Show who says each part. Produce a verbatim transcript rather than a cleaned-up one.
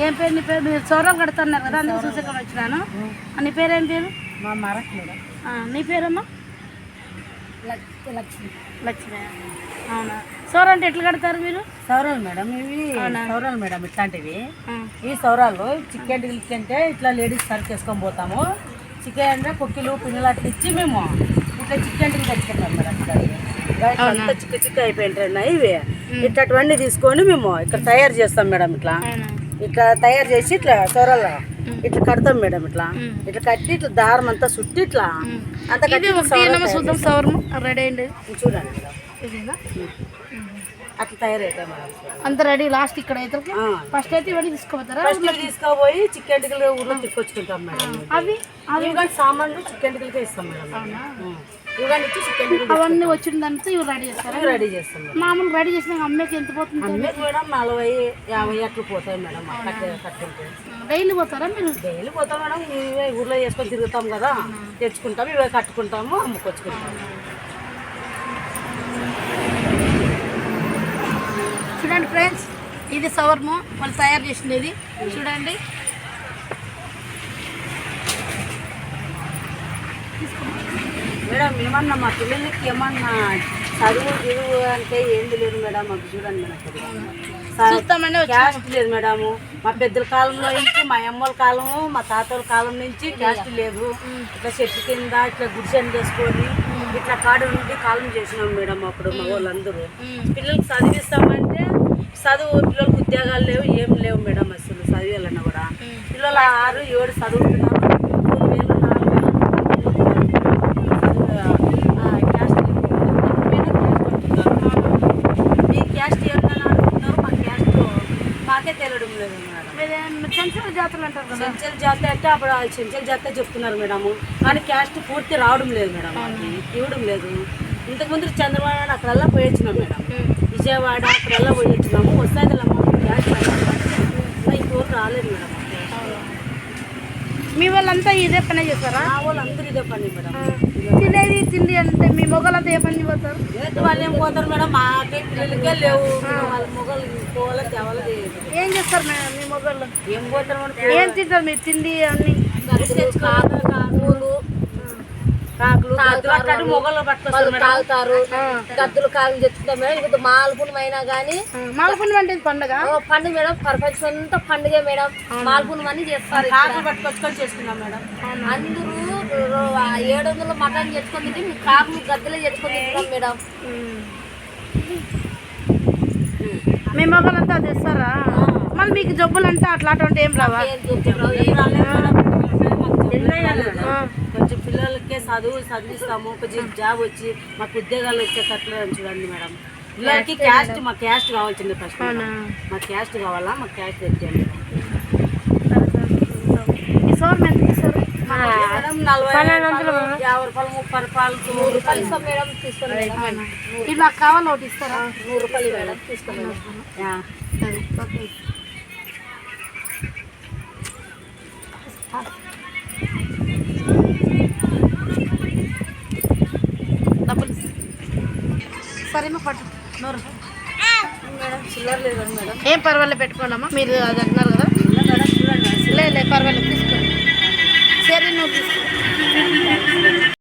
Speaker 1: ఏం పేరు నీ పేరు? మీరు సౌరాలు కడుతున్నారు కదా, అందుకు చూసేకొని వచ్చినాను. నీ పేరు ఏం పేరు?
Speaker 2: మా మరక్ మేడం.
Speaker 1: నీ పేరమ్మా?
Speaker 2: లక్ష్మి.
Speaker 1: లక్ష్మి. అవునా? సౌర అంటే ఎట్లా కడతారు మీరు?
Speaker 2: సౌరాలు మేడం, ఇవి సౌరాలు మేడం. ఇట్లాంటివి ఈ సౌరాలు చికెన్ గిల్కి అంటే ఇట్లా లేడీస్ సర్వ్ చేసుకొని పోతాము. చికెన్ అంటే కుక్కీలు పిల్లలు అట్లా ఇచ్చి మేము ఇట్లా చికెన్ గిల్ తెచ్చుకుంటాం మేడం. ఇట్లా చిక్క చిక్క అయిపోయింటున్నాయి ఇవి. ఇట్లాంటివన్నీ తీసుకొని మేము ఇక్కడ తయారు చేస్తాం మేడం. ఇట్లా ఇట్లా తయారు చేసి ఇట్లా సౌరాలు ఇట్లా కడతాం మేడం. ఇట్లా ఇట్లా కట్టి ఇట్లా దారం అంతా చుట్టి ఇట్లా అంతా కట్టి
Speaker 1: చూద్దాం. సౌరం రెడీ అయింది
Speaker 2: చూడండి. అట్లా తయారవుతాయి మేడం.
Speaker 1: అంత రెడీ. లాస్ట్ ఇక్కడ అయితే ఫస్ట్ అయితే ఇవన్నీ తీసుకోపోతారా?
Speaker 2: తీసుకోపోయి చికెన్ టికలు ఊర్లో తీసుకొచ్చుకుంటాం మేడం.
Speaker 1: అవి
Speaker 2: అవి కానీ సామాన్లు చికెన్ టికలకే ఇస్తాం మేడం. ఇవన్నీ ఇచ్చి చికెన్
Speaker 1: అవన్నీ వచ్చిందంతా ఇవి రెడీ చేస్తారా?
Speaker 2: రెడీ చేస్తాం మేడం.
Speaker 1: మామూలు రెడీ చేసిన అమ్మకి ఎంత పోతుంది?
Speaker 2: అమ్మకి మేడం నలభై యాభై అట్లు పోతాయి మేడం. కట్టుకుంటే
Speaker 1: డైలీ పోతారా మీరు?
Speaker 2: డైలీ పోతాం మేడం. ఇవే ఊర్లో వేసుకొని తిరుగుతాం కదా, తెచ్చుకుంటాం. ఇవే కట్టుకుంటాము, అమ్ముకొచ్చుకుంటాము.
Speaker 1: చూడండి ఫ్రెండ్స్, ఇది సవర్ము వాళ్ళు తయారు చేసింది. చూడండి,
Speaker 2: మేడం ఏమన్నా మా పిల్లలకి ఏమన్నా చదువు గిరువు అంటే ఏంది లేదు మేడం. మాకు చూడండి మేడం, క్యాస్ట్ లేదు మేడము. మా పెద్దల కాలంలో నుంచి, మా అమ్మల కాలము, మా తాతల కాలం నుంచి క్యాస్ట్ లేదు. ఇట్లా చెట్టు కింద ఇట్లా గుడిసెని చేసుకొని ఇట్లా కాడు నుండి కాలం చేసినాం మేడం. అప్పుడు మా వాళ్ళందరూ పిల్లలకి చదివిస్తామంటే చదువు, పిల్లలకు ఉద్యోగాలు లేవు, ఏం లేవు మేడం. అసలు చదివాలన్నా కూడా పిల్లలు ఆరు ఏడు చదువుతున్నారు. మూడు వేలు నాలుగు వేలు క్యాస్ట్ మీ క్యాస్ట్ ఏమన్నా అనుకుంటున్నారు? మా క్యాస్ట్ మాకే తెలియడం లేదు మేడం.
Speaker 1: చెంచల జాతరలు అంటారు కదా,
Speaker 2: చెంచల జాతర అంటే అప్పుడు చెంచల జాతర చెప్తున్నారు మేడము. కానీ క్యాస్ట్ పూర్తి రావడం లేదు మేడం. ఇవ్వడం లేదు. ఇంతకుముందు చంద్రబాబు నాయుడు అక్కడల్లా పోయి వచ్చినాం మేడం. విజయవాడ అక్కడల్లా పోయి వచ్చినాము. వస్తుంది క్యాస్ట్ ఇంకోరు రాలేదు మేడం.
Speaker 1: మీ వాళ్ళంతా ఇదే పని చేస్తారా?
Speaker 2: మా వాళ్ళు అందరూ ఇదే పని మేడం.
Speaker 1: తినేది తిండి అంటే మీ మొగలంతా ఏ పని పోతారు?
Speaker 2: వాళ్ళు ఏం పోతారు మేడం? మాకే పిల్లలకే లేవు. వాళ్ళ మొగలు పోవాలి తేవాలి.
Speaker 1: ఏం చేస్తారు మేడం మీ మొగళ్ళు?
Speaker 2: ఏం పోతారు మేడం?
Speaker 1: ఏం తింటారు మీరు? తిండి అన్ని
Speaker 2: కాకులు కాకులు మొగలు పట్టుకొస్తారు, తాగుతారు. గద్దులు కాకులు తెచ్చుకుంటాం మేడం. ఇప్పుడు మాల్పుణం అయినా కానీ,
Speaker 1: మాల్పుణం అంటే పండుగ
Speaker 2: పండుగ మేడం. ప్రపంచం అంతా పండుగ మేడం. మాల్పుణం అని చేస్తారు. కాకులు పట్టుకొచ్చుకొని చేసుకున్నాం మేడం. అందరూ ఏడు వందలు మటన్ తెచ్చుకొని తింటే మీ కాకులు గద్దెలే తెచ్చుకొని తింటాం మేడం.
Speaker 1: మీ మొగలంతా తెస్తారా? మళ్ళీ మీకు జబ్బులు అంటే అట్లాంటి ఏం రావా?
Speaker 2: కొంచెం పిల్లలకే చదువు చదివిస్తాము. కొంచెం జాబ్ వచ్చి మాకు ఉద్యోగాలు వచ్చేటట్లు చూడండి మేడం. పిల్లలకి క్యాస్ట్, మా క్యాస్ట్ కావాల్సింది ఫస్ట్. మా క్యాస్ట్ కావాలా? మా క్యాస్ట్ తెచ్చేయండి మేడం. నలభై యాభై రూపాయలు, ముప్పై రూపాయలు, నూరు రూపాయలు ఇస్తాం మేడం. తీసుకోండి.
Speaker 1: ఇలా కావాలి ఒకటి ఇస్తారా?
Speaker 2: నూరు రూపాయలు మేడం. తీసుకోండి.
Speaker 1: డబ్బులు సరేమో పట్టు. నూరు
Speaker 2: మేడం చిల్లర లేదు మేడం.
Speaker 1: ఏం పర్వాలేదు, పెట్టుకోండమ్మా. మీరు అది అంటున్నారు కదా. లేదు లేదు పర్వాలేదు, తీసుకోండి. సరే నువ్వు తీసుకో.